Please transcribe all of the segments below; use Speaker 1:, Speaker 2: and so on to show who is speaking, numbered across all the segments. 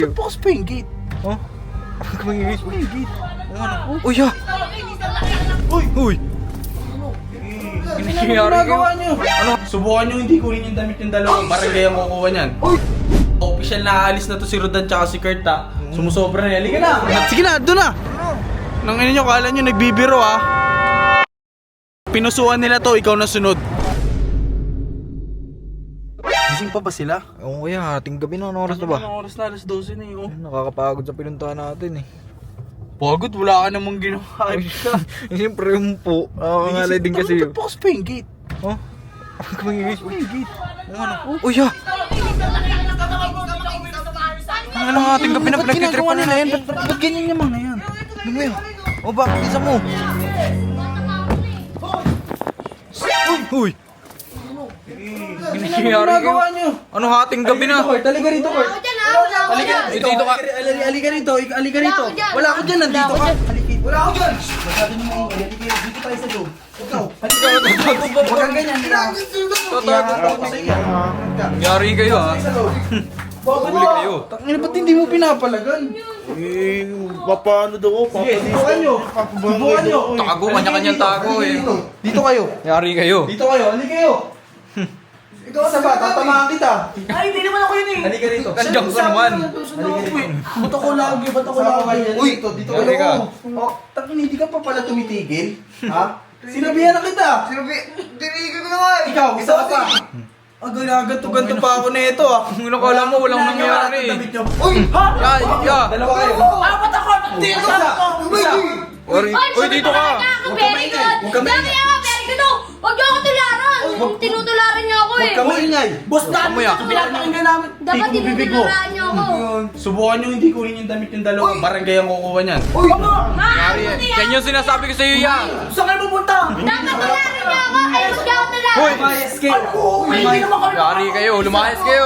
Speaker 1: Bukas pa yung gate.
Speaker 2: Oh?
Speaker 1: Bukas pa yung gate.
Speaker 2: Uy, ha? Uy!
Speaker 1: Ano ginagawa nyo? Ano? Subukan nyo hindi kunin yung damit yung dalawang barangay ang kukuha niyan. Official na aalis na to si Rodan tsaka si Kurt ha. Sumusobra na. Halika na! Sige na, doon na! Nang ino nyo, kala nyo nagbibiro ha. Pinusuan nila to, ikaw na sunod. Gising pa ba sila?
Speaker 2: Oo kuya, ating gabi na. Anong oras na ba?
Speaker 1: Anong oras na? Alas 12 na yun.
Speaker 2: Nakakapagod sa pinuntahan natin eh.
Speaker 1: Pagod, wala ka namang ginawa.
Speaker 2: Siyempre yung po. Nakakakalay din kasi yun.
Speaker 1: Bukas pa yung gate.
Speaker 2: Oh?
Speaker 1: Bukas pa yung gate.
Speaker 2: Uy, ha? Ano nga ating gabi na pinagtitripan nila yan?
Speaker 1: Ba't ganyan yung mga yan?
Speaker 2: Ano mo yun? O bakit isa mo? Uy!
Speaker 1: Ano ginagawa nyo?
Speaker 2: Ano hating gabi na?
Speaker 1: Halika rito, Kurt. Halika
Speaker 2: Dito ka.
Speaker 1: Halika rito, halika rito. Wala ako dyan, nandito ka. Halika. Wala ako dyan. Masyado nyo mga halika. Dito tayo sa loob. Ikaw. Halika. Huwag kang ganyan.
Speaker 2: Yari kayo ha? Huli kayo.
Speaker 1: Tangina, ba't hindi mo pinapalagan?
Speaker 3: Paano daw ako?
Speaker 1: Sige, subukan nyo. Subukan nyo.
Speaker 2: Tago, kanya-kanyang tago eh.
Speaker 1: Dito kayo.
Speaker 2: Yari kayo.
Speaker 1: Dito kayo, halika kayo. Ikaw sa ba? Tatamaan kita.
Speaker 4: Ay, hindi naman ako yun eh.
Speaker 1: Halika rito.
Speaker 2: Nandiyan ka naman.
Speaker 4: Ba't ako lagi? Ba't ako lagi?
Speaker 1: Uy, dito
Speaker 2: Halika.
Speaker 1: kayo. Oh, tangina, hindi ka pa pala tumitigil. Ha? Sinabihan na kita.
Speaker 4: Tinigil ko na nga eh.
Speaker 1: Ikaw, isa ka pa. Ganto pa ako na ito ah.
Speaker 2: Kung nakala mo, walang nangyari.
Speaker 1: Uy! Ha?
Speaker 2: Ya!
Speaker 1: Dalawa kayo.
Speaker 4: Ah, ba't ako? Ba't dito
Speaker 1: Isa. Isa.
Speaker 2: Uy, dito ka!
Speaker 1: Huwag ka maingay. Huwag ka maingay.
Speaker 5: Huwag niyo ako tularan! Tinutularan niyo ako
Speaker 1: Huwag
Speaker 5: eh!
Speaker 1: ka maingay.
Speaker 4: Boss namin
Speaker 2: Kamuya.
Speaker 4: ito pinapakinggan namin.
Speaker 5: Dapat
Speaker 1: Tingko bibig mo.
Speaker 5: tinutularan niyo ako!
Speaker 1: Subukan nyo hindi kunin yung damit yung dalawang barangay ang kukuha niyan.
Speaker 4: Uy! Ano?
Speaker 2: Yari eh. Yan yung sinasabi ko sa'yo yan!
Speaker 4: Saan kayo pupunta?
Speaker 5: Dapat tularan niyo ako! Ay, huwag niyo ako tularan!
Speaker 2: Hoy!
Speaker 1: Lumayas kayo.
Speaker 4: Uy, hindi naman kami.
Speaker 2: Yari kayo, lumayas kayo!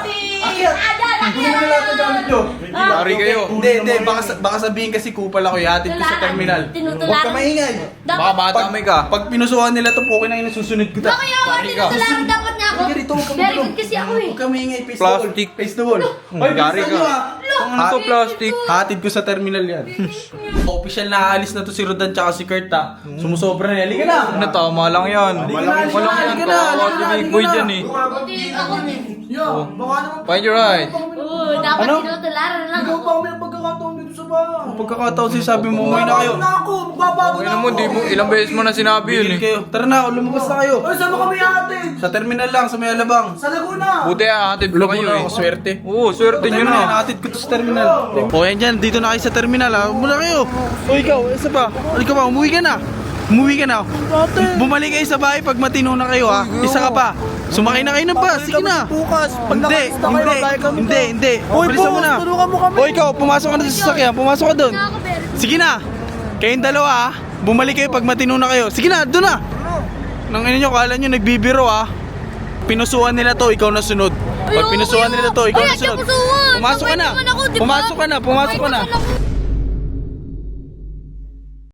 Speaker 1: Kunin mo na lahat ng gamit nyo.
Speaker 2: Yari kayo!
Speaker 1: Hindi. Baka sabihin kasi kupal ako. Ihatid ko sa terminal. Huwag ka maingay.
Speaker 2: Baka matamay ka.
Speaker 1: Pag pinusuhan nila to, pukin na susunod ko ta.
Speaker 5: Bakit ako tinutularan dapat niya ako?
Speaker 1: Halika rito, huwag ka
Speaker 5: Very
Speaker 1: magulong.
Speaker 5: good kasi ako eh!
Speaker 1: Huwag ka maingay. Face
Speaker 2: Plastic.
Speaker 1: the wall. Face the wall. Hoy,
Speaker 2: Yari
Speaker 1: bilisan
Speaker 2: ka.
Speaker 1: nyo, ah.
Speaker 2: Ano to plastic?
Speaker 1: Hatid ko sa terminal yan. Official na aalis na to si Rodan tsaka si Kurt ha. Sumusobra na. Halika na.
Speaker 2: Ano, tama lang yan.
Speaker 1: Halika
Speaker 2: Walang
Speaker 1: na,
Speaker 2: yan.
Speaker 1: halika na,
Speaker 2: Kawawa
Speaker 1: halika na,
Speaker 2: si Big Boy
Speaker 1: halika na.
Speaker 2: dyan eh.
Speaker 5: Ako din!
Speaker 4: Baka naman.
Speaker 2: Find your right.
Speaker 5: Oo, dapat
Speaker 1: Ano?
Speaker 5: tinutularan lang
Speaker 4: Ikaw
Speaker 5: ako!
Speaker 4: pa kami ng pagkakataon dito sa bahay.
Speaker 1: Pagkakataon si sabi mo, umuwi na kayo.
Speaker 4: Magbabago na ako. Magbabago
Speaker 2: Ay
Speaker 4: na
Speaker 2: naman,
Speaker 4: ako.
Speaker 2: di mo, ilang beses mo na sinabi yun
Speaker 1: Bigil
Speaker 2: eh.
Speaker 1: kayo. Tara na, lumabas na kayo.
Speaker 4: Ay, saan mo kami ate?
Speaker 1: Sa terminal lang, sa may alabang.
Speaker 4: Sa Laguna.
Speaker 2: Buti hatid ko kayo eh.
Speaker 1: ako, swerte.
Speaker 2: Oo, swerte nyo na.
Speaker 1: Hatid ko to sa terminal. O yan dyan, dito na kayo sa terminal ha. Muna kayo. O ikaw, isa pa. Halika pa, umuwi ka na. Umuwi ka na. Bumalik kayo sa bahay pag matino na kayo ha. Isa ka pa. Sumakay na kayo ng bus. Sige na.
Speaker 4: Bukas. Pag
Speaker 1: Hindi,
Speaker 4: nakalis na kayo, magbayad kami.
Speaker 1: hindi.
Speaker 4: Uy,
Speaker 1: Bilisan mo
Speaker 4: boss,
Speaker 1: na.
Speaker 4: tulungan mo kami.
Speaker 1: O ikaw, pumasok ka na sa sasakyan. Pumasok ka doon.
Speaker 5: Na ako, very good!
Speaker 1: Sige na. Kayong dalawa ha. Bumalik kayo pag matino na kayo. Sige na, doon na. Nang ino nyo, kala nyo nagbibiro ha. Pinusuan nila to, ikaw na sunod. Pag
Speaker 5: Ayoko
Speaker 1: pinusuan
Speaker 5: kayo.
Speaker 1: nila to, ikaw
Speaker 5: Ay,
Speaker 1: na sunod.
Speaker 5: pusuan.
Speaker 1: Pumasok ka na.
Speaker 5: Sabay naman ako, di ba?
Speaker 1: Pumasok ka na.
Speaker 5: Sabay naman ako.